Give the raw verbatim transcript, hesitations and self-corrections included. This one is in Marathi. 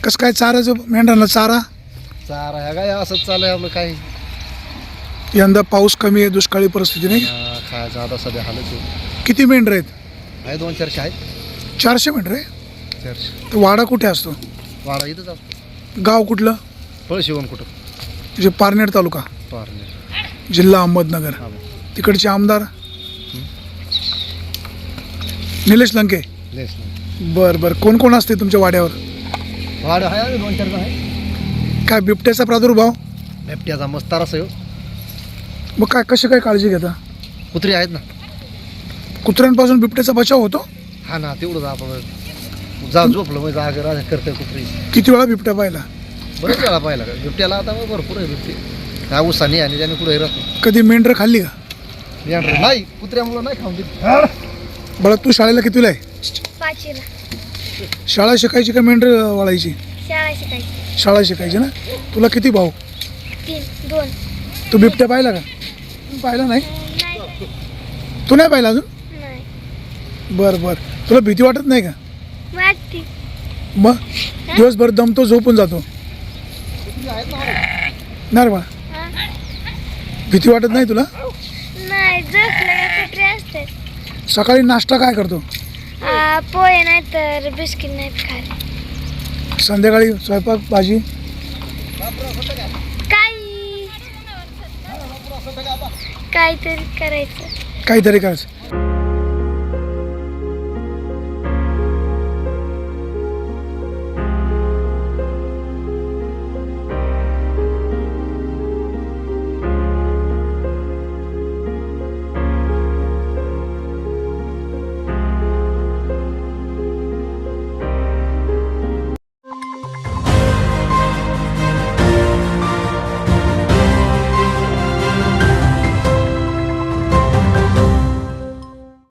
कसं काय चाराचं मेंढरांना चारा चारा ह्या काय असंच चालू आहे आपलं काही यंदा पाऊस कमी आहे, दुष्काळी परिस्थिती नाही. अं, खायचं आता सध्या हालच आहे. किती मेंढर आहेत? आहे दोन चारशे आहेत. चारशे मेंढर आहे. चारशे तर वाडा कुठे असतो? वाडा इथंच असतो. गाव कुठलं? फळ शिवण कुठं म्हणजे पारनेर तालुका, पारणे. जिल्हा अहमदनगर. हा तिकडचे आमदार निलेश लंके. लेस नाही. बरं बरं. कोण कोण असते तुमच्या वाड्यावर? वाडा आहे आणि दोन चार जण आहे. काय बिबट्याचा प्रादुर्भाव? बिबट्याचा मस्तार असं मग काय कशी काय काळजी घेता? कुत्री आहेत ना. कुत्र्यांपासून बिबट्याचा बचाव होतो? हा ना तेवढंच आपण जा झोपलं म्हणजे जागर राजा करतं कुत्री. किती वेळा बिबट्या पाहिला? बरेच वेळा पाहिला का बिबट्याला आता मग भरपूर आहे बिबटे. हा उसाने आणि त्याने कुठे राहतो. कधी मेंढर खाल्ली का? मेंढरं नाही कुत्र्यामुळं नाही खाऊन देत. बरं तू शाळेला कितीला आहे? पाचवीला शाळा शिकायची का मेंढर वाळायची? शाळा शिकायची. शाळा शिकायची ना. तुला किती भाऊ? तीन दोन तू बिबट्या पाहिला का? पाहिला नाही. नाही तू नाही पाहिला अजून? नाही बरं बरं. तुला भीती वाटत नाही का? वाटते. मग दिवसभर दमतो, झोपून जातो ना रे बाळा. हा? भीती वाटत नाही तुला? नाही झोपलं का कुत्रे असतात. सकाळी नाश्ता काय करतो? आ, पोहे नाही तर बिस्किट नाहीत खात. संध्याकाळी स्वयंपाक भाजी? काही काहीतरी करायचं. काहीतरी करायचं.